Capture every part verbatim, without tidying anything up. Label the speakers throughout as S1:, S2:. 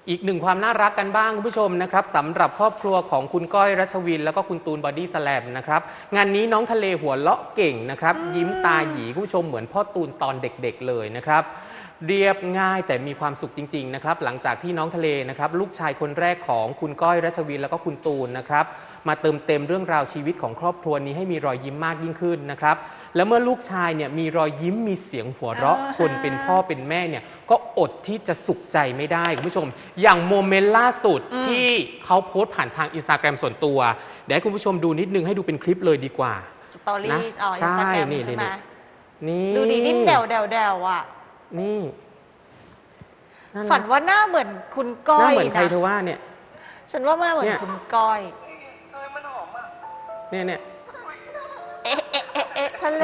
S1: อีกหนึ่งความน่ารักกันบ้างคุณผู้ชมนะครับสำหรับครอบครัวของคุณก้อยรัชวินแล้วก็คุณตูนบอดี้สแลมนะครับงานนี้น้องทะเลหัวเลาะเก่งนะครับยิ้มตาหยีคุณผู้ชมเหมือนพ่อตูนตอนเด็กๆเลยนะครับเรียบง่ายแต่มีความสุขจริงๆนะครับหลังจากที่น้องทะเลนะครับลูกชายคนแรกของคุณก้อยรัชวินแล้วก็คุณตูนนะครับมาเติมเต็มเรื่องราวชีวิตของครอบครัวนี้ให้มีรอยยิ้มมากยิ่งขึ้นนะครับแล้วเมื่อลูกชายเนี่ยมีรอยยิ้มมีเสียงหัวเราะคนเป็นพ่อเป็นแม่เนี่ยก็อดที่จะสุขใจไม่ได้คุณผู้ชมอย่างโมเมนต์ล่าสุดที่เขาโพสต์ผ่านทางอินสตาแกรมส่วนตัวเดี๋ยวให้คุณผู้ชมดูนิดนึงให้ดูเป็นคลิปเลยดีกว่า
S2: สตอรี่อ๋ออินสตาแกรมใช่ไหม
S1: นี่
S2: ดูดีดิ้นเดวเดวเดวอ่ะ
S1: นี่
S2: ฝันว่าหน้าเหมือนคุณก้อยนะหน้า
S1: เหมือนใครเธอว่าเนี่ย
S2: ฉันว่าหน้าเหมือนคุณก้อย
S1: เนี่ยเนี่ย
S2: เอ๊ะเอ๊ะเอ๊ะเอ๊ะทะเล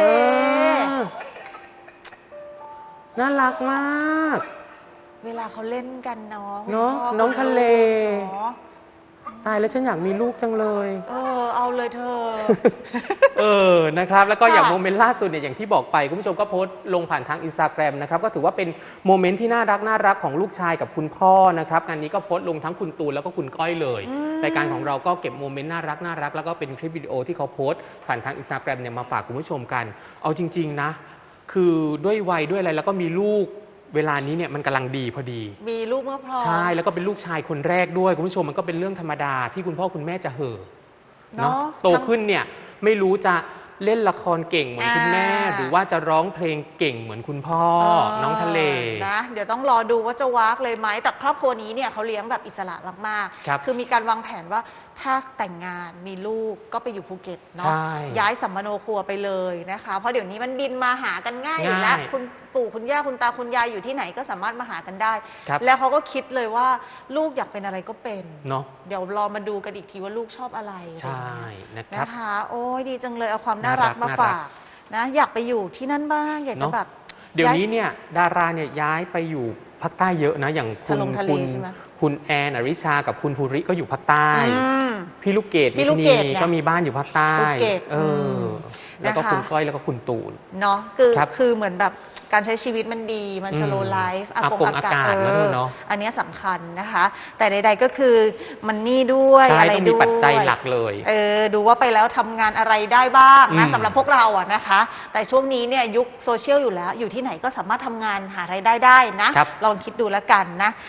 S1: น่ารักมาก
S2: เวลาเขาเล่นกันน้อง
S1: เนาะน้องทะเลตายแล้วฉันอยากมีลูกจังเลย
S2: เออเอาเลยเธอ
S1: เออนะครับแล้วก็อย่างโมเมนต์ล่าสุดเนี่ยอย่างที่บอกไปคุณผู้ชมก็โพสต์ลงผ่านทางอินสตาแกรมนะครับก็ถือว่าเป็นโมเมนต์ที่น่ารักน่ารักของลูกชายกับคุณพ่อนะครับงานนี้ก็โพสต์ลงทั้งคุณตูนแล้วก็คุณก้อยเลยรายการของเราก็เก็บโมเมนต์น่ารักน่ารักแล้วก็เป็นคลิปวิดีโอที่เขาโพสต์ผ่านทางอินสตาแกรมเนี่ยมาฝากคุณผู้ชมกันเอาจริงๆนะคือด้วยวัยด้วยอะไรแล้วก็มีลูกเวลานี้เนี่ยมันกำลังดีพอดี
S2: มีลูกเมื่อพร้อม
S1: ใช่แล้วก็เป็นลูกชายคนแรกด้วยคุณผู้ชมมันก็เป็นเรื่องธรรมดาที่คุณพ่อคุณแม่จะเห่อเนาะโตขึ้นเนี่ยไม่รู้จะเล่นละครเก่งเหมือนคุณแม่หรือว่าจะร้องเพลงเก่งเหมือนคุณพ่อน้องทะเล
S2: นะเดี๋ยวต้องรอดูว่าจะวากเลยไหมแต่ครอบครัวนี้เนี่ยเขาเลี้ยงแบบอิสระมากๆคือมีการวางแผนว่าถ้าแต่งงานมีลูกก็ไปอยู่ภูเก็ตเนาะย้ายสัมมโนครัวไปเลยนะคะเพราะเดี๋ยวนี้มันบินมาหากันง่ายอยู่แล้วคุณปู่คุณย่าคุณตาคุณยายอยู่ที่ไหนก็สามารถมาหากันได้แล้วเขาก็คิดเลยว่าลูกอยากเป็นอะไรก็เป็น
S1: เนาะ
S2: เดี๋ยวรอมาดูกันอีกทีว่าลูกชอบอะไร
S1: ใช่
S2: นะคะโอ้ยดีจังเลยเอาความน่ารักมาฝากนะอยากไปอยู่ที่นั่นบ้างอยากจะแบบ
S1: เดี๋ยวนี้เนี่ยดาราเนี่ยย้ายไปอยู่ภาคใต้เยอะนะอย่างคุณคุณคุณแอนอริชากับคุณภูริก็อยู่ภาคใต้พี่ลูกเกดพี่ลูกเกดก็มีบ้านอยู่ภาคใต้เออแล้วก็คุณก้อยแล้วก็คุณตูน
S2: เนาะคือคือเหมือนแบบการใช้ชีวิตมันดีมันสโลว์ไลฟ์อากงอากาศเอออันนี้สำคัญนะคะแต่ใดๆก็คือมันนี่ด้วยอะไรด้วย
S1: มีปัจจัยหลักเลย
S2: เออดูว่าไปแล้วทำงานอะไรได้บ้างนะสำหรับพวกเราอะนะคะแต่ช่วงนี้เนี่ยยุคโซเชียลอยู่แล้วอยู่ที่ไหนก็สามารถทำงานหารายได้ได้นะลองคิดดูแล้วกันนะ